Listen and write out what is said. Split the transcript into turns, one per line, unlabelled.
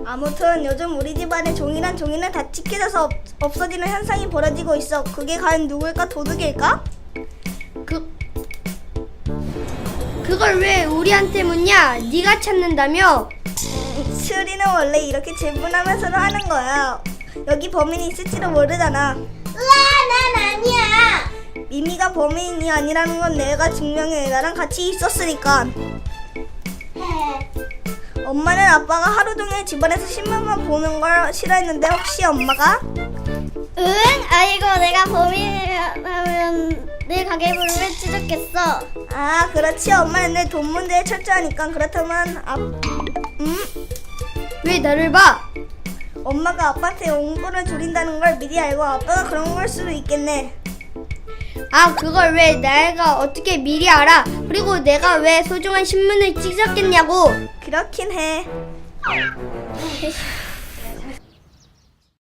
아무튼 요즘 우리 집안에 종이란 종이는 다 찢겨져서 없어지는 현상이 벌어지고 있어. 그게 과연 누굴까? 도둑일까?
그걸 왜 우리한테 묻냐? 네가 찾는다며?
수리는 원래 이렇게 질문하면서도 하는 거야. 여기 범인이 있을지도 모르잖아.
우와, 난 아니야.
미미가 범인이 아니라는 건 내가 증명해. 나랑 같이 있었으니까. 엄마는 아빠가 하루 종일 집안에서 신문만 보는 걸 싫어했는데 혹시 엄마가?
응? 아이고, 내가 범인이라면 내 가계부를 왜 찢었겠어?
아, 그렇지. 엄마는 내 돈 문제에 철저하니까. 그렇다면
왜 나를 봐?
엄마가 아빠한테 용돈을 줄인다는 걸 미리 알고 아빠가 그런 걸 수도 있겠네.
아, 그걸 왜 내가 어떻게 미리 알아? 그리고 내가 왜 소중한 신문을 찢었겠냐고.
그렇긴 해.